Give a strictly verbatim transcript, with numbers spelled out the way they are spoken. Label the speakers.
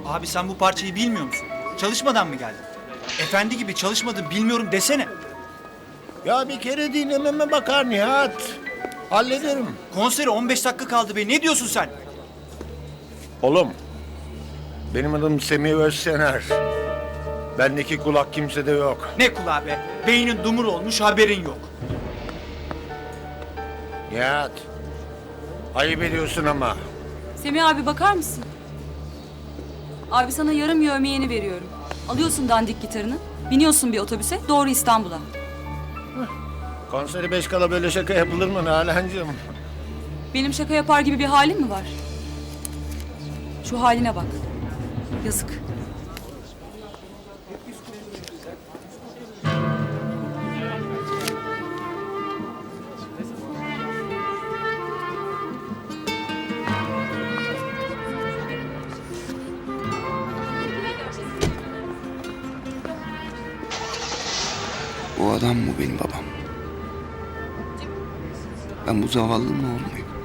Speaker 1: Abi sen bu parçayı bilmiyor musun? Çalışmadan mı geldin? Efendi gibi çalışmadım bilmiyorum desene.
Speaker 2: Ya bir kere dinlememe bakar Nihat. Hallederim.
Speaker 1: Konsere on beş dakika kaldı be. Ne diyorsun sen?
Speaker 2: Oğlum, benim adım Semih Özsener. Bendeki kulak kimsede yok.
Speaker 1: Ne kulağı be? Beynin dumur olmuş haberin yok.
Speaker 2: Nihat, ayıp ediyorsun ama.
Speaker 3: Semih abi bakar mısın? Abi sana yarım yevmiyeni veriyorum. Alıyorsun dandik gitarını, biniyorsun bir otobüse doğru İstanbul'a.
Speaker 2: Konseri beş kala böyle şaka yapılır mı Nalan'cığım?
Speaker 3: Benim şaka yapar gibi bir halin mi var? Şu haline bak. Yazık.
Speaker 4: O adam mı benim babam? Ben bu zavallının oğlu muyum?